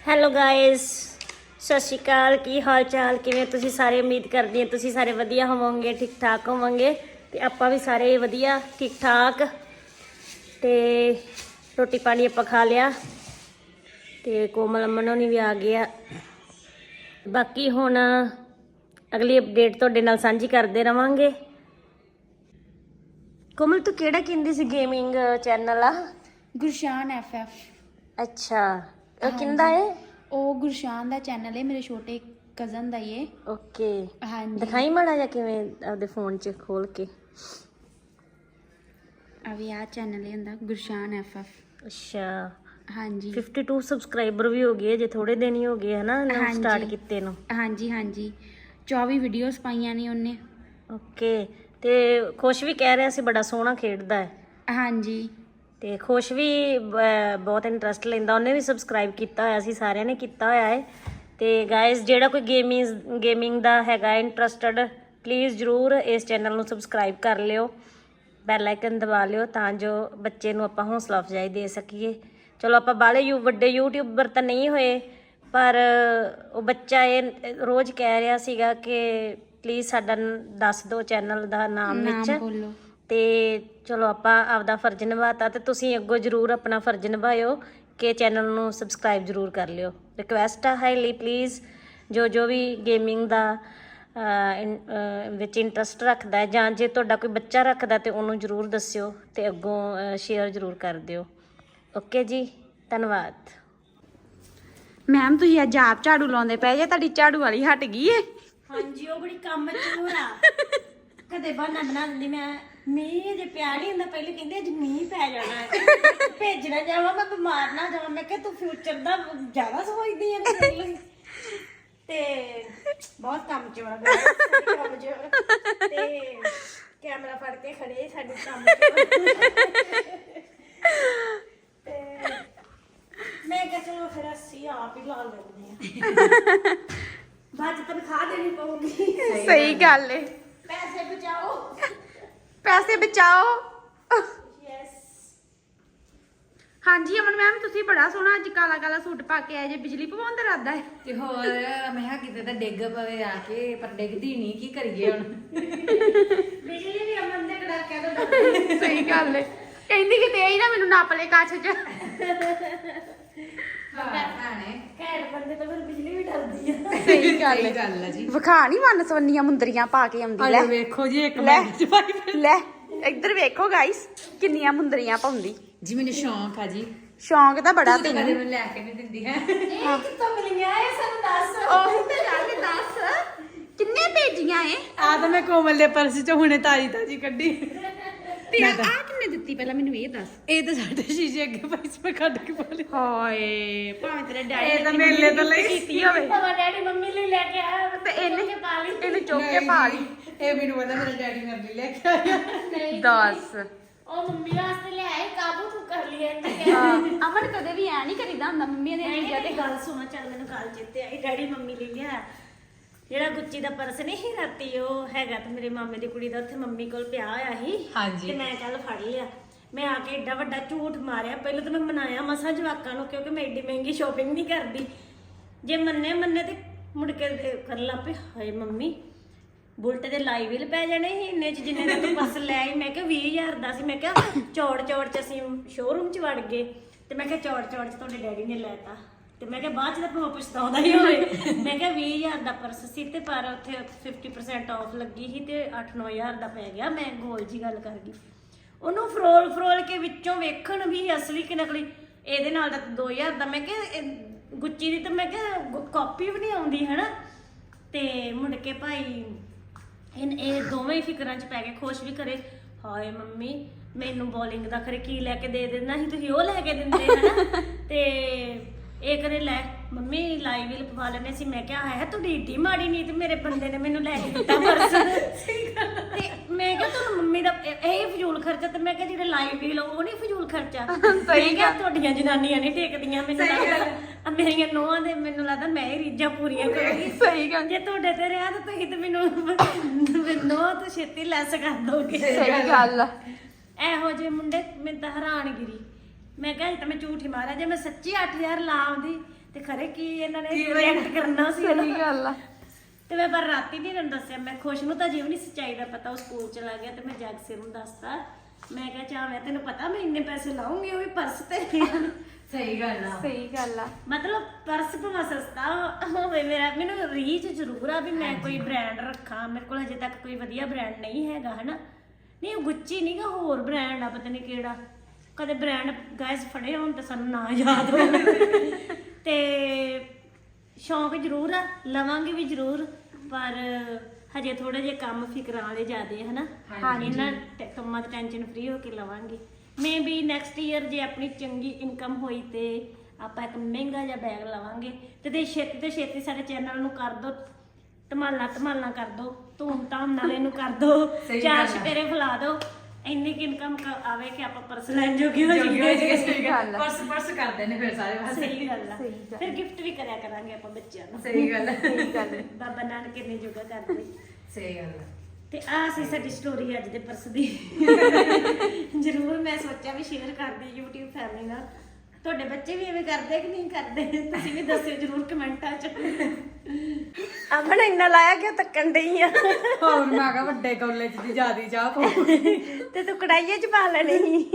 Hello guys, ਸਤਿ ਸ਼੍ਰੀ ਅਕਾਲ। ਕੀ ਹਾਲ ਚਾਲ, ਕਿਵੇਂ ਤੁਸੀਂ ਸਾਰੇ? ਉਮੀਦ ਕਰਦੀ ਹਾਂ ਤੁਸੀਂ ਸਾਰੇ ਵਧੀਆ ਹੋਵੋਗੇ, ਠੀਕ ਠਾਕ ਹੋਵੋਗੇ ਤੇ ਆਪਾਂ ਵੀ ਸਾਰੇ ਵਧੀਆ ਠੀਕ ਠਾਕ। ਤੇ ਰੋਟੀ ਪਾਣੀ ਆਪਾਂ ਖਾ ਲਿਆ ਤੇ ਕੋਮਲ ਅਮਨ ਹੋਣੀ ਵੀ ਆ ਗਿਆ। ਬਾਕੀ ਹੁਣ ਅਗਲੀ ਅਪਡੇਟ ਤੁਹਾਡੇ ਨਾਲ ਸਾਂਝੀ ਕਰਦੇ ਰਵਾਂਗੇ। ਕੋਮਲ ਤੂੰ ਕਿਹੜਾ ਕਹਿੰਦੀ ਸੀ ਗੇਮਿੰਗ ਚੈਨਲ ਆ? ਗੁਰਸ਼ਾਨ FF। ਅੱਛਾ, ਉਹ ਕਿੰਦਾ ਹੈ? ਉਹ ਗੁਰਸ਼ਾਨ ਦਾ ਚੈਨਲ ਹੈ, ਮੇਰੇ ਛੋਟੇ ਕਜ਼ਨ ਦਾ ਹੀ ਹੈ। ਓਕੇ, ਹਾਂਜੀ, ਦਿਖਾਈ ਮਾੜਾ ਜਿਹਾ ਕਿਵੇਂ ਆਪਦੇ ਫੋਨ 'ਚ ਖੋਲ ਕੇ। ਅਭੀ ਆ ਚੈਨਲ ਹੁੰਦਾ ਗੁਰਸ਼ਾਨ FF। ਅੱਛਾ, ਹਾਂਜੀ 52 ਸਬਸਕ੍ਰਾਈਬਰ ਵੀ ਹੋ ਗਏ ਜੇ, ਥੋੜੇ ਦਿਨ ਹੀ ਹੋ ਗਏ ਹਨਾ ਸਟਾਰਟ ਕੀਤੇ ਨੂੰ। ਹਾਂਜੀ ਹਾਂਜੀ 24 ਵੀਡੀਓਜ਼ ਪਾਈਆਂ ਨੇ ਉਹਨੇ। ਓਕੇ, ਤੇ ਖੁਸ਼ ਵੀ ਕਹਿ ਰਿਹਾ ਸੀ ਬੜਾ ਸੋਹਣਾ ਖੇਡਦਾ ਹੈ। ਹਾਂਜੀ, ਤੇ ਖੁਸ਼ ਵੀ ਬਹੁਤ ਇੰਟਰਸਟ ਲੈਂਦਾ, ਉਹਨੇ ਵੀ ਸਬਸਕ੍ਰਾਈਬ ਕੀਤਾ ਹੋਇਆ ਸੀ, ਸਾਰਿਆਂ ਨੇ ਕੀਤਾ ਹੋਇਆ ਹੈ। ਤੇ ਗਾਇਸ, ਜਿਹੜਾ ਕੋਈ ਗੇਮਿੰਗ ਦਾ ਹੈਗਾ ਇੰਟਰਸਟਡ, ਪਲੀਜ਼ ਜ਼ਰੂਰ ਇਸ ਚੈਨਲ ਨੂੰ ਸਬਸਕ੍ਰਾਈਬ ਕਰ ਲਿਓ, ਬੈਲ ਆਈਕਨ ਦਬਾ ਲਿਓ ਤਾਂ ਜੋ ਬੱਚੇ ਨੂੰ ਆਪਾਂ ਹੌਸਲਾ ਅਫਜ਼ਾਈ ਦੇ ਸਕੀਏ। ਚਲੋ ਆਪਾਂ ਬਾਹਲੇ ਵੱਡੇ ਯੂਟਿਊਬਰ ਤਾਂ ਨਹੀਂ ਹੋਏ, ਪਰ ਉਹ ਬੱਚਾ ਇਹ ਰੋਜ਼ ਕਹਿ ਰਿਹਾ ਸੀਗਾ ਕਿ ਪਲੀਜ਼ ਸਾਡਾ ਦੱਸ ਦਿਓ ਚੈਨਲ ਦਾ ਨਾਮ ਵਿੱਚ। ਬੋਲੋ। ਤੇ ਚਲੋ ਆਪਾਂ ਆਪਦਾ ਫਰਜ਼ ਨਿਭਾਤਾ, ਤੇ ਤੁਸੀਂ ਅੱਗੋਂ ਜ਼ਰੂਰ ਆਪਣਾ ਫਰਜ਼ ਨਿਭਾਇਓ ਕਿ ਚੈਨਲ ਨੂੰ ਸਬਸਕ੍ਰਾਈਬ ਜ਼ਰੂਰ ਕਰ ਲਿਓ। ਰਿਕੁਐਸਟ ਆ ਹਾਈਲੀ, ਪਲੀਜ਼। ਜੋ ਵੀ ਗੇਮਿੰਗ ਦਾ ਵਿੱਚ ਇੰਟਰਸਟ ਰੱਖਦਾ ਹੈ, ਜਾਂ ਜੇ ਤੁਹਾਡਾ ਕੋਈ ਬੱਚਾ ਰੱਖਦਾ ਤੇ ਉਹਨੂੰ ਜ਼ਰੂਰ ਦੱਸਿਓ ਤੇ ਅੱਗੋਂ ਸ਼ੇਅਰ ਜ਼ਰੂਰ ਕਰ ਦਿਓ। ਓਕੇ ਜੀ, ਧੰਨਵਾਦ। ਮੈਮ ਤੁਸੀਂ ਅੱਜ ਆਪ ਝਾੜੂ ਲਾਉਂਦੇ ਪਏ ਜੇ, ਤੁਹਾਡੀ ਝਾੜੂ ਵਾਲੀ ਹਟ ਗਈ ਏ? ਹਾਂਜੀ, ਉਹ ਬੜੀ ਕੰਮ ਚੋਰ ਆ। ਕਦੇ ਬਹਾਨਾ ਬਣਾ ਦਿੰਦੀ ਮੈਂ, ਮੀਂਹ ਜੇ ਪਿਆ ਨਹੀਂ ਹੁੰਦਾ, ਪਹਿਲੇ ਕਹਿੰਦੇ ਅੱਜ ਮੀਂਹ ਪੈ ਜਾਣਾ ਹੈ, ਭੇਜਣਾ ਜਾਵਾਂ ਮੈਂ, ਬਿਮਾਰ ਨਾ ਜਾਵਾਂ। ਮੈਂ ਕਿਹਾ ਤੂੰ ਫਿਊਚਰ ਦਾ ਜ਼ਿਆਦਾ ਸੋਚਦੀ ਹੈ ਤੇ ਬਹੁਤ ਕੰਮ ਚੋਰ ਆ, ਕੰਮ ਚੋਰ। ਤੇ ਕੈਮਰਾ ਫੜ ਕੇ ਖੜੇ ਸਾਡੇ ਕੰਮ ਚੋਰ। ਤੇ ਮੈਂ ਕਿਹਾ ਚਲੋ ਫਿਰ ਅਸੀਂ ਆਪ ਹੀ ਲਾ ਲੈਂਦੇ ਹਾਂ, ਬਾਅਦ ਚ ਤਨਖਾਹ ਦੇਣੀ ਪਊਗੀ। ਸਹੀ ਗੱਲ ਏ। ਪੈਸੇ ਬਚਾਓ, ਪੈਸੇ ਬਚਾਓ। ਯੈਸ। ਹਾਂਜੀ ਅਮਨ ਮੈਮ, ਤੁਸੀਂ ਬੜਾ ਸੋਹਣਾ ਅੱਜ ਕਾਲਾ ਕਾਲਾ ਸੂਟ ਪਾ ਕੇ ਆਏ ਜੇ, ਬਿਜਲੀ ਪਵਾਉਣ ਦਾ ਇਰਾਦਾ ਹੈ? ਤੇ ਹੋਰ ਮੈਂ ਕਿਹਾ ਕਿਤੇ ਤਾਂ ਡਿੱਗ ਪਵੇ ਆ ਕੇ, ਪਰ ਡਿੱਗਦੀ ਨਹੀਂ, ਕੀ ਕਰੀਏ ਹੁਣ। ਬਿਜਲੀ ਵੀ ਅਮਨ ਦੇ ਕੜਾਕਿਆਂ ਤੋਂ ਡਰਦੀ। ਸਹੀ ਗੱਲ ਏ। ਕਹਿੰਦੀ ਕਿ ਤੇ ਹੀ ਨਾ ਮੈਨੂੰ ਨੱਪ ਲੈ ਕੱਚ ਚ। ਘੈਂਟ ਬੰਦੇ ਤੋਂ ਫਿਰ ਬਿਜਲੀ ਵੀ ਡਰਦੀ ਆ। ਸਹੀ ਗੱਲ ਸਹੀ ਏ। ਗੱਲ ਆ ਜੀ। ਵਿਖਾ ਨਹੀਂ ਮਨ ਸਵੰਨੀਆਂ ਮੁੰਦਰੀਆਂ ਪਾ ਕੇ ਆਉਂਦੀ। ਲੈ ਆਜੋ ਵੇਖੋ ਜੀ, ਇੱਕ ਲੈ ਮਿੰਟ ਚ ਪਾਈ ਲੈ ਇੱਧਰ ਵੇਖੋ ਗਾਇਸ, ਕਿੰਨੀਆਂ ਮੁੰਦਰੀਆਂ ਪਾਉਂਦੀ। ਜੀ ਮੈਨੂੰ ਸ਼ੌਂਕ ਆ ਜੀ। ਸ਼ੌਂਕ ਤਾਂ ਬੜਾ ਤੂੰ ਤਾਂ ਕਦੇ ਤੈਨੂੰ। ਮੈਨੂੰ ਲੈ ਕੇ ਨਹੀਂ ਦਿੰਦੀ ਹੈ। ਇਹ ਕਿੱਥੋਂ ਮਿਲੀਆਂ ਇਹ ਸਾਨੂੰ ਦੱਸ। ਉਹੀ ਤੇ ਗੱਲ ਦੱਸ, ਕਿੰਨੇ ਭੇਜੀਆਂ ਏ? ਆ ਤਾਂ ਮੈਂ ਕੋਮਲ ਦੇ ਪਰਸ ਚ ਹੁਣੇ ਤਾਜੀ ਤਾਜੀ ਕੱਢੀ। ਤੇ ਆ ਕਿੰਨੇ ਦਿੱਤੀ ਪਹਿਲਾਂ ਮੈਨੂੰ ਇਹ ਦੱਸ। ਇਹ ਤਾਂ ਸਾਡੇ ਸ਼ੀਸ਼ੇ ਅੱਗੇ ਪਈ ਸੀ, ਮੈਂ ਕੱਢ ਕੇ ਪਾ ਲਈ। ਹਾਏ, ਭਾਵੇਂ ਤੇਰੇ ਡੈਡੀ ਇਹ ਤਾਂ ਮੇਲੇ ਤੋਂ ਲਈ ਕੀਤੀ ਹੋਵੇ ਤਵਾ ਡੈਡੀ ਮੰਮੀ ਲਈ ਲੈ ਕੇ ਆਇਆ ਤੇ ਇਹਨੇ ਪਾ ਲਈ। ਇਹਨੂੰ ਚੁੱਕ ਕੇ ਪਾ ਲਈ। ਇਹ ਮੈਨੂੰ ਪਤਾ ਮੇਰਾ ਡੈਡੀ ਮੇਰੇ ਲਈ ਲੈ ਕੇ ਆਇਆ। ਨਹੀਂ ਦੱਸ। ਉਹ ਮੰਮੀ ਵਾਸਤੇ ਲਿਆਏ, ਕਾਬੂ ਤੂੰ ਕਰ ਲਿਆ ਇਹਨੇ। ਅਮਨ ਕਦੇ ਵੀ ਐ ਨਹੀਂ ਕਰੀਦਾ ਹੁੰਦਾ ਮੰਮੀ ਦੇ ਚੀਜ਼ਾਂ ਤੇ। ਗੱਲ ਸੁਣ, ਚੱਲ ਮੈਨੂੰ ਗੱਲ ਚੇਤੇ ਆਈ। ਡੈਡੀ ਮੰਮੀ ਲਈ ਲਿਆ ਜਿਹੜਾ ਗੁੱਚੀ ਦਾ ਪਰਸ ਨਹੀਂ ਸੀ ਰਾਤੀ, ਉਹ ਹੈਗਾ ਤੇ ਮੇਰੇ ਮਾਮੇ ਦੀ ਕੁੜੀ ਦਾ ਉੱਥੇ ਮੰਮੀ ਕੋਲ ਪਿਆ ਹੋਇਆ ਸੀ। ਹਾਂਜੀ। ਤੇ ਮੈਂ ਕੱਲ ਫੜ ਲਿਆ। ਮੈਂ ਆ ਕੇ ਏਡਾ ਵੱਡਾ ਝੂਠ ਮਾਰਿਆ। ਪਹਿਲਾਂ ਤਾਂ ਮੈਂ ਮਨਾਇਆ ਮਸਾਂ ਜਵਾਕਾਂ ਨੂੰ, ਕਿਉਂਕਿ ਮੈਂ ਏਡੀ ਮਹਿੰਗੀ ਸ਼ੋਪਿੰਗ ਨਹੀਂ ਕਰਦੀ। ਜੇ ਮੰਨੇ ਤੇ ਮੁੜ ਕੇ ਕਰਨ ਲੱਗ ਪਏ, ਹਾਏ ਮੰਮੀ ਬੁਲਟ ਦੇ ਲਾਈ ਬਿੱਲ ਪੈ ਜਾਣੇ ਸੀ ਇੰਨੇ ਚ ਜਿੰਨੇ ਦਾ ਤੂੰ ਪਰਸ ਲੈ ਆਈ। ਮੈਂ ਕਿਹਾ 20,000 ਦਾ ਸੀ। ਮੈਂ ਕਿਹਾ ਚੌੜ ਚ ਅਸੀਂ ਸ਼ੋਰੂਮ ਚ ਵੜ ਗਏ ਤੇ ਮੈਂ ਕਿਹਾ ਚੌੜ ਚ ਤੁਹਾਡੇ ਡੈਡੀ ਨੇ ਲੈਤਾ। ਤੇ ਮੈਂ ਕਿਹਾ ਬਾਅਦ ਚ ਤਾਂ ਭਾਵੇਂ ਪਛਤਾਉਂਦਾ ਹੀ ਹੋਵੇ। ਮੈਂ ਕਿਹਾ 20,000 ਦਾ ਪਰਸ ਸੀ ਤੇ ਪਰ ਉੱਥੇ 50% ਆਫ ਲੱਗੀ ਸੀ ਤੇ 8-9,000 ਦਾ ਪੈ ਗਿਆ। ਮੈਂ ਗੋਲ ਜੀ ਗੱਲ ਕਰ ਗਈ। ਉਹਨੂੰ ਫਰੋਲ ਕੇ ਵਿੱਚੋਂ ਵੇਖਣ ਵੀ ਅਸਲੀ ਕਿ ਨਕਲੀ। ਇਹਦੇ ਨਾਲ ਦਾ 2,000 ਦਾ। ਮੈਂ ਕਿਹਾ ਗੁੱਚੀ ਦੀ ਤਾਂ ਮੈਂ ਕਿਹਾ ਕਾਪੀ ਵੀ ਨਹੀਂ ਆਉਂਦੀ ਹਨਾ। ਤੇ ਮੁੜ ਕੇ ਭਾਈ ਇਹ ਦੋਵੇਂ ਹੀ ਫਿਕਰਾਂ 'ਚ ਪੈ ਗਏ। ਖੁਸ਼ ਵੀ ਕਰੇ, ਹਾਏ ਮੰਮੀ ਮੈਨੂੰ ਬੋਲਿੰਗ ਦਾ ਖਰੇ ਕੀ ਲੈ ਕੇ ਦੇ ਦੇਣਾ ਸੀ, ਤੁਸੀਂ ਉਹ ਲੈ ਕੇ ਦਿੰਦੇ ਹਨਾ। ਤੇ ਇਹ ਕਰੇ ਲੈ ਮੰਮੀ ਲਾਈਵ ਵੀਲ ਪਵਾ ਲੈਣੇ ਸੀ। ਮੈਂ ਕਿਹਾ ਹੈ ਤੁਹਾਡੀ ਏਡੀ ਮਾੜੀ ਨਹੀਂ ਤੇ ਮੇਰੇ ਬੰਦੇ ਨੇ ਮੈਨੂੰ ਲੈ ਕੇ ਦਿੱਤਾ ਪਰਸ। ਤੇ ਮੈਂ ਕਿਹਾ ਤੁਹਾਨੂੰ ਮੰਮੀ ਦਾ ਇਹ ਫਜ਼ੂਲ ਖਰਚਾ। ਤੇ ਮੈਂ ਕਿਹਾ ਜਿਹੜੇ ਲਾਈਵ ਵੀਲ ਉਹ ਨਹੀਂ ਫਜ਼ੂਲ ਖਰਚਾ। ਸਹੀ ਕਿਹਾ, ਤੁਹਾਡੀਆਂ ਜਨਾਨੀਆਂ ਨਹੀਂ ਟੇਕਦੀਆਂ। ਮੈਨੂੰ ਲੱਗਦਾ ਮੇਰੀਆਂ ਨੂੰਹਾਂ ਦੇ, ਮੈਨੂੰ ਲੱਗਦਾ ਮੈਂ ਹੀ ਰੀਝਾਂ ਪੂਰੀਆਂ ਕਰੂੰਗੀ। ਸਹੀ ਗੱਲ। ਜੇ ਤੁਹਾਡੇ ਤੇ ਰਿਹਾ ਤਾਂ ਤੁਸੀਂ ਤੇ ਮੈਨੂੰ ਨੂੰਹਾਂ ਤੋਂ ਛੇਤੀ ਲੈਸ ਕਰ ਦੋਗੇ। ਸਹੀ ਗੱਲ ਆ। ਇਹੋ ਜਿਹੇ ਮੁੰਡੇ ਮੈਨੂੰ ਤਾਂ ਹੈਰਾਨਗਿਰੀ। ਮੈਂ ਕਿਹਾ ਤਾਂ ਮੈਂ ਝੂਠ ਹੀ ਮਾਰਿਆ। ਜੇ ਮੈਂ ਸੱਚੀ 8,000 ਲਾ ਆਉਂਦੀ ਤੇ ਖਰੇ ਕੀ ਇਹਨਾਂ ਨੇ ਰਿਐਕਟ ਕਰਨਾ ਸੀ ਸਹੀ ਗੱਲ ਆ। ਤੇ ਮੈਂ ਪਰ ਰਾਤੀ ਨਹੀਂ ਇਹਨਾਂ ਨੂੰ ਦੱਸਿਆ, ਮੈਂ ਖੁਸ਼ ਨੂੰ ਤਾਂ ਜਿਵੇਂ ਨਹੀਂ ਸੱਚਾਈ ਦਾ ਪਤਾ, ਉਹ ਸਕੂਲ ਚਲਾ ਗਿਆ ਤੇ ਮੈਂ ਜਗਸੀਰ ਨੂੰ ਦੱਸਤਾ। ਮੈਂ ਕਿਹਾ ਚਾਹ ਮੈਂ ਤੈਨੂੰ ਪਤਾ ਮੈਂ ਇੰਨੇ ਪੈਸੇ ਲਾਉਂਗੀ ਉਹ ਵੀ ਪਰਸ ਤੇ। ਸਹੀ ਗੱਲ ਆ। ਸਹੀ ਗੱਲ ਆ। ਮਤਲਬ ਪਰਸ ਭਾਵੇਂ ਸਸਤਾ ਹੋਵੇ, ਮੈਨੂੰ ਰੀਚ ਜ਼ਰੂਰ ਆ ਵੀ ਮੈਂ ਕੋਈ ਬ੍ਰਾਂਡ ਰੱਖਾਂ। ਮੇਰੇ ਕੋਲ ਹਜੇ ਤੱਕ ਕੋਈ ਵਧੀਆ ਬ੍ਰਾਂਡ ਨਹੀਂ ਹੈਗਾ ਹਨਾ। ਨਹੀਂ ਉਹ ਗੁੱਚੀ ਨਹੀਂਗਾ, ਹੋਰ ਬ੍ਰਾਂਡ ਆ ਪਤਾ ਨਹੀਂ ਕਿਹੜਾ। ਕਦੇ ਬ੍ਰਾਂਡ ਗਾਇਸ ਫੜੇ ਹੋਣ ਤੇ ਸਾਨੂੰ ਨਾ ਯਾਦ ਹੋਣ। ਤੇ ਸ਼ੌਂਕ ਜ਼ਰੂਰ ਆ, ਲਵਾਂਗੇ ਵੀ ਜ਼ਰੂਰ, ਪਰ ਹਜੇ ਥੋੜੇ ਜਿਹੇ ਕੰਮ ਫਿਕਰਾਂ ਵਾਲੇ ਜ਼ਿਆਦੇ ਹਨਾ। ਇਹਨਾਂ ਕੰਮਾਂ ਤੋਂ ਟੈਨਸ਼ਨ ਫ੍ਰੀ ਹੋ ਕੇ ਲਵਾਂਗੇ। ਮੇ ਵੀ ਨੈਕਸਟ ਈਅਰ ਜੇ ਆਪਣੀ ਚੰਗੀ ਇਨਕਮ ਹੋਈ ਤੇ ਆਪਾਂ ਇੱਕ ਮਹਿੰਗਾ ਜਿਹਾ ਬੈਗ ਲਵਾਂਗੇ। ਤੇ ਛੇਤੀ ਤੋਂ ਛੇਤੀ ਸਾਡੇ ਚੈਨਲ ਨੂੰ ਕਰ ਦੋ ਧਮਾਲਾਂ ਕਰ ਦੋ, ਧੂਮ ਧਾਮ ਨਾਲ ਇਹਨੂੰ ਕਰ ਦੋ, 4 ਚੁਫੇਰੇ ਫੈਲਾ ਦੋ। ਇੰਨੀ ਕਿ ਇਨਕਮ ਆਵੇ ਕਿ ਆਪਾਂ ਪਰਸ ਲੈਣ ਜੋਗੇ ਹੋ ਜਾਈਏ। ਸਹੀ ਗੱਲ ਆ। ਪਰਸ ਕਰਦੇ ਨੇ ਫਿਰ ਸਾਰੇ ਪਾਸੇ। ਸਹੀ ਗੱਲ ਆ। ਫਿਰ ਗਿਫਟ ਵੀ ਕਰਿਆ ਕਰਾਂਗੇ ਆਪਾਂ ਬੱਚਿਆਂ ਨੂੰ। ਸਹੀ ਗੱਲ ਆ। ਸਹੀ ਗੱਲ ਆ। ਬਾਬਾ ਨਾਨਕ ਨੇ ਜੋਗਾ ਕਰਦੇ। ਸਹੀ ਗੱਲ ਆ। ਤੇ ਆਹ ਸੀ ਸਾਡੀ ਸਟੋਰੀ ਅੱਜ ਦੇ ਪਰਸ ਦੀ। ਜ਼ਰੂਰ ਮੈਂ ਸੋਚਿਆ ਵੀ ਸ਼ੇਅਰ ਕਰਦੀ YouTube ਫੈਮਿਲੀ ਨਾਲ। ਤੁਹਾਡੇ ਬੱਚੇ ਵੀ ਐਵੇਂ ਕਰਦੇ ਕਿ ਨਹੀਂ ਕਰਦੇ, ਤੁਸੀਂ ਵੀ ਦੱਸਿਓ ਜ਼ਰੂਰ ਕਮੈਂਟਾਂ 'ਚ। ਅਮਨ ਇੰਨਾ ਲਾਇਆ ਕਿ ਤੱਕਣ ਡਈ ਆ। ਹੋਰ ਮੈਂ ਕਿਹਾ ਵੱਡੇ ਕੌਲੇ 'ਚ ਦੀ ਜਿਆਦੀ ਚਾਹ ਪਾਓ ਤੇ ਤੂੰ ਕੜਾਈਏ 'ਚ ਪਾ ਲੈਣੀ।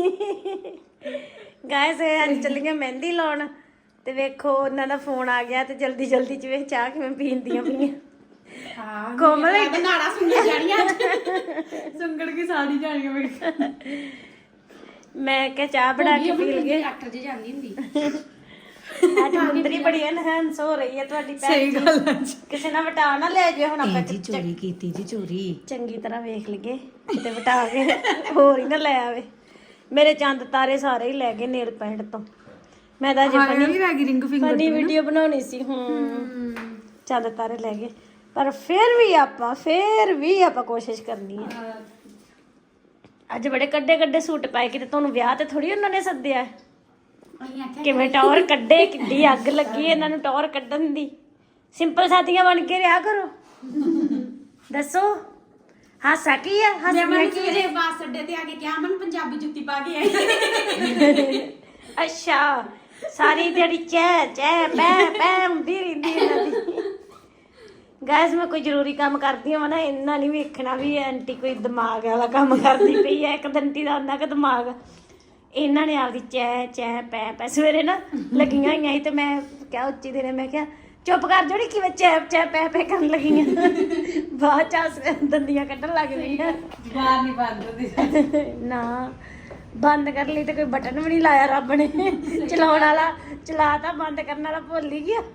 ਗਾਇਸ ਅੱਜ ਚੱਲੀਆਂ ਮਹਿੰਦੀ ਲਾਉਣ ਤੇ ਵੇਖੋ ਉਹਨਾਂ ਦਾ ਫੋਨ ਆ ਗਿਆ ਤੇ ਜਲਦੀ ਜਲਦੀ 'ਚ ਵੇਖ ਚਾਹ ਕਿਵੇਂ ਪੀਂਦੀਆਂ ਪਈਆਂ। ਹਾਂ ਕੋਮਲ ਨਾੜਾ ਸੁਣੀਆਂ ਜਾਣੀਆਂ। ਸੁੰਗੜ ਕੇ ਸਾੜੀ ਜਾਣੀਆਂ ਮੇਰੇ। ਮੈਂ ਕਿਹਾ ਚਾਹ ਬਣਾ ਕੇ ਪੀ ਲਈਏ। ਡਾਕਟਰ ਜੀ ਜਾਂਦੀ ਹੁੰਦੀ। ਅੱਜ ਮੁੰਦਰੀ ਬੜੀ ਐਨਹਾਂਸ ਹੋ ਰਹੀ ਹੈ ਤੁਹਾਡੀ ਭੈਣ ਸਹੀ ਜੀ। ਗੱਲ ਆ। ਕਿਸੇ ਨਾਲ ਵਟਾ ਨਾ ਲੈ ਜਾਇਓ ਹੁਣ ਆਪਾਂ ਚੋਰੀ ਕੀਤੀ ਜੀ ਚੋਰੀ। ਚੰਗੀ ਤਰ੍ਹਾਂ ਵੇਖ ਲਈਏ ਕਿਤੇ ਵਟਾ ਕੇ ਹੋਰ ਹੀ ਨਾ ਲੈ ਆਵੇ। ਮੇਰੇ ਚੰਦ ਤਾਰੇ ਸਾਰੇ ਹੀ ਲੈ ਗਏ ਨੇਲ ਪੈਂਟ ਤੋਂ। ਮੈਂ ਤਾਂ ਅਜੇ ਫਨੀ ਵੀਡੀਓ ਬਣਾਉਣੀ ਸੀ। ਚੰਦ ਤਾਰੇ ਲੈ ਗਏ, ਪਰ ਫਿਰ ਵੀ ਆਪਾਂ ਕੋਸ਼ਿਸ਼ ਕਰਨੀ ਹੈ। ਅੱਜ ਬੜੇ ਕੱਡੇ ਸੂਟ ਪਾਏ, ਕਿਤੇ ਤੁਹਾਨੂੰ ਵਿਆਹ ਤੇ ਥੋੜੀ ਉਹਨਾਂ ਨੇ ਸੱਦਿਆ। ਕਿਵੇਂ ਟੌਰ ਕੱਢੇ, ਕਿੱਡੀ ਅੱਗ ਲੱਗੀ ਇਹਨਾਂ ਨੂੰ ਟੌਰ ਕੱਢਣ ਦੀ। ਸਿੰਪਲ ਸਾਥੀਆਂ ਬਣ ਕੇ ਰਿਹਾ ਕਰੋ। ਦੱਸੋ ਹਾਸਾ ਕੀ ਆ? ਮੈਂ ਸਵੇਰੇ ਬੱਸ ਅੱਡੇ ਤੇ ਆ ਕੇ ਕਿਹਾ ਮਨ ਪੰਜਾਬੀ ਜੁੱਤੀ ਪਾ ਕੇ ਆਈ। ਅੱਛਾ, ਸਾਰੀ ਦਿਹਾੜੀ ਚੈ ਪੈ ਹੁੰਦੀ ਰਹਿੰਦੀ ਇਹਨਾਂ ਦੀ। ਗਾਇਸ ਮੈਂ ਕੋਈ ਜ਼ਰੂਰੀ ਕੰਮ ਕਰਦੀ ਹਾਂ ਨਾ, ਇੰਨਾ ਨਹੀਂ ਵੇਖਣਾ ਵੀ ਆਂਟੀ ਕੋਈ ਦਿਮਾਗ ਵਾਲਾ ਕੰਮ ਕਰਦੀ ਪਈ ਹੈ। ਇੱਕ ਦੰਟੀ ਦਾ ਉਹਨਾਂ ਕ ਦਿਮਾਗ ਇਹਨਾਂ ਨੇ ਆਪਦੀ ਚੈ ਪੈ ਸਵੇਰੇ ਨਾ ਲੱਗੀਆਂ ਹੋਈਆਂ ਸੀ। ਤੇ ਮੈਂ ਕਿਹਾ ਉੱਚੀ ਦੇਣੇ, ਮੈਂ ਕਿਹਾ ਚੁੱਪ ਕਰ ਜਿਹੜੀ ਕਿਵੇਂ ਚੈ ਪੈ ਕਰਨ ਲੱਗੀਆਂ। ਬਾਅਦ ਚ ਦੰਦੀਆਂ ਕੱਢਣ ਲੱਗ ਗਈਆਂ। ਬਾਹਰ ਨਹੀਂ ਬੰਦ ਹੁੰਦੀ ਨਾ ਬੰਦ ਕਰਨ ਲਈ ਤੇ ਕੋਈ ਬਟਨ ਵੀ ਨਹੀਂ ਲਾਇਆ ਰੱਬ ਨੇ। ਚਲਾਉਣ ਵਾਲਾ ਚਲਾਤਾ, ਬੰਦ ਕਰਨ ਵਾਲਾ ਭੁੱਲ ਹੀ ਗਿਆ।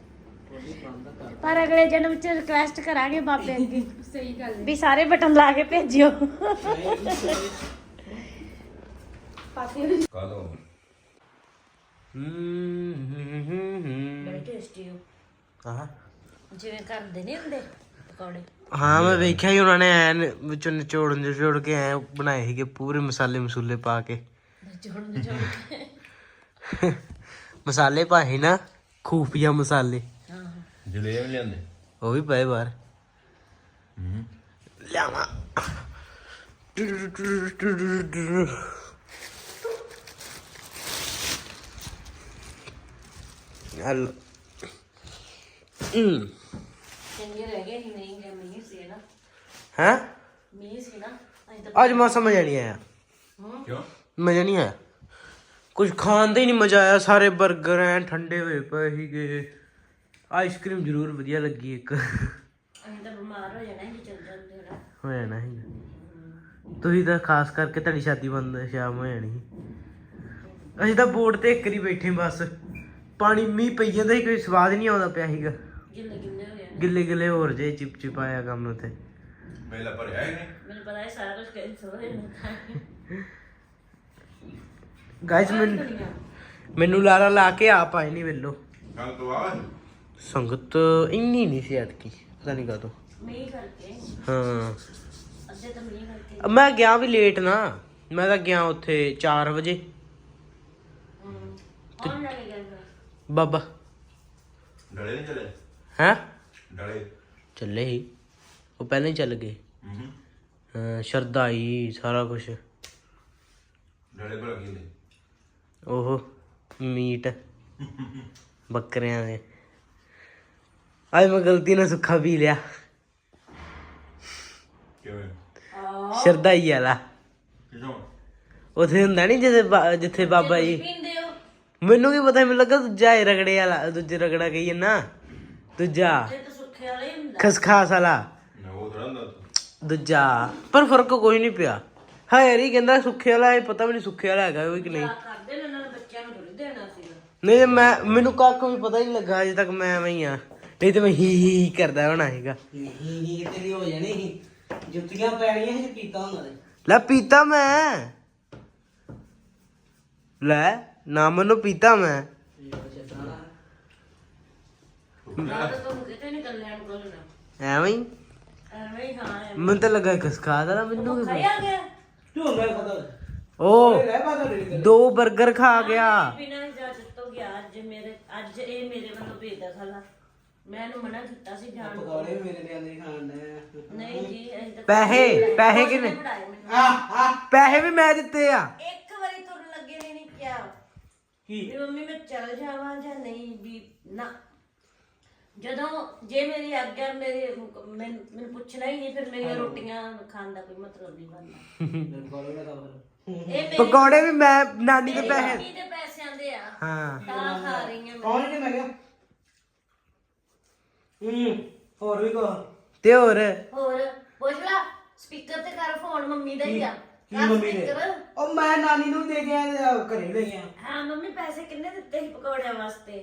ਪਰ ਅਗਲੇ ਜਨਮ ਚ ਰਿਕਵੈਸਟ ਕਰਾਂਗੇ ਬਾਬੇ ਅੱਗੇ। ਸਹੀ ਗੱਲ ਵੀ ਸਾਰੇ ਬਟਨ ਲਾ ਕੇ ਭੇਜਿਓ। ਕਾਦੋਂ ਬੜੇ ਟੇਸਟੀ ਹੋ ਜਿਵੇਂ ਕਰਦੇ ਨਹੀਂ ਹੁੰਦੇ ਪਕੌੜੇ। ਹਾਂ ਮੈਂ ਵੇਖਿਆ ਹੀ ਉਹਨਾਂ ਨੇ ਐਨ ਵਿੱਚੋਂ ਨਿਚੋੜ ਕੇ ਐ ਬਣਾਏ ਸੀਗੇ ਪੂਰੇ ਮਸਾਲੇ ਪਾ ਕੇ। ਮਸਾਲੇ ਪਾਏ ਨਾ, ਖੂਫੀਆ ਮਸਾਲੇ। ਜਲੇਬ ਲਿਆਂਦੇ ਉਹ ਵੀ ਪਏ ਬਾਹਰ। ਲਿਆਵਾਂ ਹਲ ਚੰਗੇ ਰਹਿ ਗਏ ਹੀ ਨਹੀਂ ਗਏ ਮੀਂਹ ਸੀ ਨਾ। ਹੈ ਮੀਂਹ ਸੀ ਨਾ ਅਸੀਂ ਤਾਂ ਅੱਜ ਮੌਸਮ ਮਜ਼ਾ ਨਹੀਂ ਆਇਆ। ਕਿਉਂ? ਮਜ਼ਾ ਨਹੀਂ ਆਇਆ, ਕੁਝ ਖਾਣ ਦਾ ਹੀ ਨਹੀਂ ਮਜ਼ਾ ਆਇਆ। ਸਾਰੇ 버ਗਰ ਐ ਠੰਡੇ ਹੋਏ ਪਏ ਸੀਗੇ। ਆਈਸਕ੍ਰੀਮ ਜ਼ਰੂਰ ਵਧੀਆ ਲੱਗੀ ਇੱਕ। ਅਸੀਂ ਤਾਂ ਬਿਮਾਰ ਹੋ ਜਾਣਾ ਸੀ ਚੱਲ ਜਾਂਦੇ ਨਾ। ਹੋ ਜਾਣਾ ਸੀ ਤੁਸੀਂ ਤਾਂ ਖਾਸ ਕਰਕੇ ਤੁਹਾਡੀ ਸ਼ਾਦੀ ਬੰਦ ਸ਼ਾਮ ਹੋ ਜਾਣੀ ਸੀ। ਅਸੀਂ ਤਾਂ ਬੋਰਡ ਤੇ ਇੱਕ ਵਾਰੀ ਬੈਠੇ ਬਸ, ਪਾਣੀ ਮੀਂਹ ਪਈ ਜਾਂਦਾ ਸੀ, ਕੋਈ ਸਵਾਦ ਨਹੀਂ ਆਉਂਦਾ ਪਿਆ ਸੀਗਾ। ਗਿੱਲੇ ਗਿੱਲੇ ਹੋ ਜਾਣਾ। ਗਿੱਲੇ ਹੋਰ ਜੇ ਚਿਪ ਆਇਆ ਕੰਮ ਉੱਥੇ। ਮੇਲਾ ਭਰਿਆ ਹੀ ਨਹੀਂ। ਮੈਨੂੰ ਪਤਾ ਹੈ ਸਾਰਾ ਕੁਝ ਕੈਂਸਲ ਹੋ ਜਾਣਾ। ਗਾਇਸ ਮੈਨੂੰ ਲਾਰਾ ਲਾ ਕੇ ਆਪ ਆਏ ਨਹੀਂ ਵੇਲੋ। ਕੱਲ ਤੋਂ ਆ ਸੰਗਤ ਇੰਨੀ ਨਹੀਂ ਸੀ ਅਟਕੀ, ਪਤਾ ਨਹੀਂ ਕਾਹਤੋਂ। ਮੀਂਹ ਕਰਕੇ ਹਾਂ ਅੱਧੇ ਤਾਂ ਮੀਂਹ ਕਰਕੇ। ਮੈਂ ਗਿਆ ਵੀ ਲੇਟ ਨਾ, ਮੈਂ ਤਾਂ ਗਿਆ ਉੱਥੇ 4 ਵਜੇ। ਕੌਣ ਲੈ ਕੇ ਗਿਆ? ਬਾਬਾ ਡਲੇ ਨਹੀਂ ਚਲੇ ਹੈ ਡਲੇ ਚੱਲੇ ਹੀ, ਉਹ ਪਹਿਲਾਂ ਹੀ ਚੱਲ ਗਏ। ਹਾਂ ਸ਼ਰਦਾਈ ਸਾਰਾ ਕੁਛ। ਡਲੇ ਭਲਾ ਕੀ ਨੇ ਉਹ ਮੀਟ ਬੱਕਰਿਆਂ ਦੇ। ਅੱਜ ਮੈਂ ਗਲਤੀ ਨਾਲ ਸੁੱਖਾ ਪੀ ਲਿਆ ਕਿਵੇਂ ਸ਼ਰਦਾਈ ਵਾਲਾ। ਕਿਦੋਂ ਉੱਥੇ ਹੁੰਦਾ ਨਹੀਂ ਜਿੱਥੇ ਬਾਬਾ ਜੀ। ਪੀਂਦੇ ਹੋ ਮੈਨੂੰ ਕੀ ਪਤਾ, ਮੈਨੂੰ ਲੱਗਾ ਦੂਜਾ ਹੈ ਰਗੜੇ ਵਾਲਾ, ਦੂਜੇ ਰਗੜਾ ਕਹੀਏ ਨਾ, ਦੂਜਾ ਤੇ ਤਾਂ ਸੁੱਖੇ ਵਾਲਾ ਹੀ ਹੁੰਦਾ। ਖਸਖਾਸ ਵਾਲਾ ਨਾ ਉਹ ਥੋੜਾ ਹੁੰਦਾ ਦੂਜਾ। ਪਰ ਫਰਕ ਕੋਈ ਨਹੀਂ ਪਿਆ। ਹਾਂ ਯਾਰ ਹੀ ਕਹਿੰਦਾ ਸੁੱਖੇ ਵਾਲਾ, ਇਹ ਪਤਾ ਵੀ ਨਹੀਂ ਸੁੱਖੇ ਵਾਲਾ ਹੈਗਾ ਉਹ ਕਿ ਨਹੀਂ। ਕਰਦੇ ਨੇ ਉਹਨਾਂ ਨੇ ਬੱਚਿਆਂ ਨੂੰ ਥੋੜੀ ਦੇਣਾ ਸੀਗਾ। ਨਹੀਂ ਮੈਨੂੰ ਕੱਖ ਵੀ ਪਤਾ ਹੀ ਨਹੀਂ ਲੱਗਾ ਅਜੇ ਤੱਕ। ਮੈਂ ਐਵੇਂ ਹੀ ਆ, ਨਹੀਂ ਤੇ ਮੈਂ ਹੀ ਕਰਦਾ ਹੋਣਾ ਸੀਗਾ। ਹੀ ਤੇਰੀ ਹੋ ਜਾਣੀ ਸੀ, ਜੁੱਤੀਆਂ ਪੈਣੀਆਂ ਸੀ ਪੀਤਾ ਹੁੰਦਾ ਤੇ। ਲੈ ਪੀਤਾ ਮੈਂ, ਲੈ ਨਾ ਮੈਨੂੰ ਪੀਤਾ ਮੈਂ। ਨਾ ਤਾਂ ਤੁਹਾਨੂੰ ਕਿਤੇ ਨਹੀਂ ਕੱਲਿਆਂ ਨੂੰ ਕੋਲਣਾ ਐਵੇਂ ਹੀ ਐਵੇਂ ਹੀ ਖਾਣਾ ਮੈਨੂੰ ਤਾਂ ਲੱਗਾ ਖਸਖਾਸ ਵਾਲਾ। ਮੈਨੂੰ ਕੀ ਖਾਇਆ ਗਿਆ ਤੂੰ ਮੈਂ ਖਦਾ ਉਹ ਰਹਿ ਪਾ ਦੇ 2 버ਗਰ ਖਾ ਗਿਆ। ਬਿਨਾਂ ਇਜਾਜ਼ਤ ਤੋਂ ਗਿਆ। ਅੱਜ ਇਹ ਮੇਰੇ ਵੱਲੋਂ ਭੇਜਦਾ ਸਾਲਾ। ਮੈਂ ਇਹਨੂੰ ਮਨਾ ਕੀਤਾ ਸੀ ਜਾਣ ਤੋਂ। ਪਕੌੜੇ ਮੇਰੇ ਲਿਆਂਦੇ ਖਾਣ ਦੇ। ਨਹੀਂ ਜੀ ਅਸੀਂ ਤਾਂ ਪੈਸੇ ਕਿੰਨੇ? ਪੜਾਏ ਮੈਨੂੰ। ਪੈਸੇ ਵੀ ਮੈਂ ਦਿੱਤੇ ਆ। ਇੱਕ ਵਾਰੀ ਤੁਰਨ ਲੱਗੇ ਨੇ ਨਹੀਂ ਕਿਹਾ ਕੀ ਵੀ ਮੰਮੀ ਮੈਂ ਚੱਲ ਜਾਵਾਂ ਜਾਂ ਨਹੀਂ ਵੀ ਨਾ। ਜਦੋਂ ਜੇ ਮੇਰੀ ਆਗਿਆ ਮੈਨੂੰ ਪੁੱਛਣਾ ਹੀ ਨਹੀਂ, ਫਿਰ ਮੇਰੀਆਂ ਰੋਟੀਆਂ ਖਾਣ ਦਾ ਕੋਈ ਮਤਲਬ ਨਹੀਂ ਬਣਦਾ। ਪਕੌੜੇ ਦਾ ਕੰਮ ਇਹ ਮੇਰੀ ਪਕੌੜੇ ਵੀ ਮੈਂ ਨਾਨੀ ਦੇ ਪੈਸੇ। ਮੰਮੀ ਦੇ ਪੈਸਿਆਂ ਦੇ ਆ ਹਾਂ ਤਾਂ ਖਾ ਰਹੀ ਹਾਂ ਮੈਂ। ਕੌਣ ਨੇ ਮੈਂ ਕਿਹਾ ਹੋਰ ਵੀ ਕੋ ਤੇ ਹੋਰ ਹੋਰ ਪੁੱਛ ਲਾ, ਸਪੀਕਰ ਤੇ ਕਰ ਫੋਨ ਮੰਮੀ ਦਾ ਹੀ ਆ। ਕੀ ਕਰ ਮੰਮੀ ਨੇ? speaker। ਉਹ ਮੈਂ ਨਾਨੀ ਨੂੰ ਦੇ ਕੇ ਆਇਆ ਤੇ ਘਰੇ ਲੈ ਗਿਆ। ਹਾਂ ਮੰਮੀ ਪੈਸੇ ਕਿੰਨੇ ਦਿੱਤੇ ਸੀ ਪਕੌੜਿਆਂ ਵਾਸਤੇ?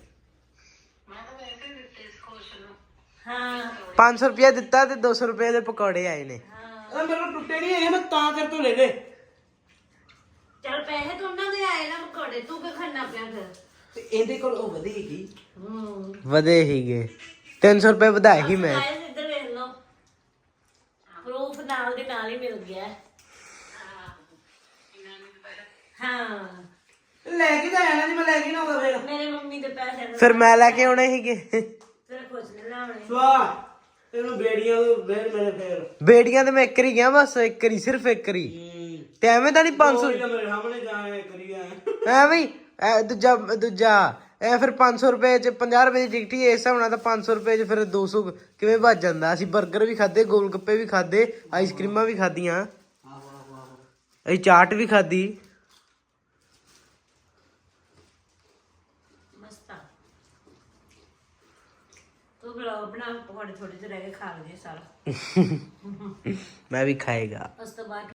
ਹਾਂ 500 ਰੁਪਇਆ ਦਿੱਤਾ ਤੇ 200 ਰੁਪਏ ਦੇ ਪਕੌੜੇ ਆਏ ਨੇ। ਉਹ ਮੇਰੇ ਕੋਲ ਟੁੱਟੇ ਨਹੀਂ ਹੈਗੇ, ਮੈਂ ਤਾਂ ਕਰ ਤੋਂ ਲੈ ਲੈ। ਚੱਲ ਪੈਸੇ ਤਾਂ ਉਹਨਾਂ ਦੇ ਆਏ ਨਾ ਪਕੌੜੇ, ਤੂੰ ਕਿਉਂ ਖਾਣਾ ਪਿਆ ਫਿਰ? ਤੇ ਇਹਦੇ ਕੋਲ ਉਹ ਵਧੇਗੀ। ਵਧੇ ਹੀਗੇ 300 ਰੁਪਏ ਵਧਾਏ ਹੀ ਮੈਂ। ਗਾਇਸ ਇੱਧਰ ਵੇਖ ਲਓ, ਪ੍ਰੂਫ ਨਾਲ ਦੇ ਨਾਲ ਹੀ ਮਿਲ ਗਿਆ। ਹਾਂ ਲੈ ਕੇ ਤਾਂ ਆਇਆ ਨਹੀਂ, ਮੈਂ ਲੈ ਕੇ ਨਾ ਆਉਂਦਾ ਫੇਰ। ਮੇਰੇ ਮੰਮੀ ਦੇ ਪੈਸੇ ਫਿਰ ਮੈਂ ਲੈ ਕੇ ਆਉਣੇ ਸੀਗੇ। ਫਿਰ ਖੁਸ਼ ਨਹੀਂ ਲਾਉਣੇ। ਸਵਾਹ ਤੈਨੂੰ ਬੇੜੀਆਂ ਤੋਂ ਫੇਰ ਮੇਰੇ ਫੇਰ ਬੇੜੀਆਂ ਤੇ ਮੈਂ ਇੱਕ ਵਾਰੀ ਗਿਆ, ਬਸ ਇੱਕ ਵਾਰੀ, ਸਿਰਫ ਇੱਕ ਵਾਰੀ। ਤੇ ਐਵੇਂ ਤਾਂ ਨਹੀਂ 500 ਮੇਰੇ ਸਾਹਮਣੇ ਜਾਏ ਕਰੀ ਆ। ਐਵੇਂ ਹੀ ਦੂਜਾ ਇਹ ਫਿਰ 500 ਰੁਪਏ ਚ 50 ਰੁਪਏ ਦੀ ਟਿਕਟ ਹੀ। ਇਸ ਹਿਸਾਬ ਨਾਲ ਤਾਂ 500 ਰੁਪਏ ਚ ਫਿਰ 200 ਕਿਵੇਂ ਵੱਜ ਜਾਂਦਾ। ਅਸੀਂ 버ਗਰ ਵੀ ਖਾਦੇ, ਗੋਲ ਗੱਪੇ ਵੀ ਖਾਦੇ, ਆਈਸਕ੍ਰੀਮਾਂ ਵੀ ਖਾਦੀਆਂ, ਅਸੀਂ ਚਾਟ ਵੀ ਖਾਦੀ। ਮਸਤਾ ਤੂੰ ਬਲੌਗ ਬਣਾ, ਪਕੌੜੇ ਥੋੜੇ ਜਿਹੇ ਰਹਿ ਗਏ ਖਾ ਲਈਏ ਸਾਰਾ। ਮੈਂ ਵੀ ਖਾਏਗਾ। ਉਸ ਤੋਂ ਬਾਅਦ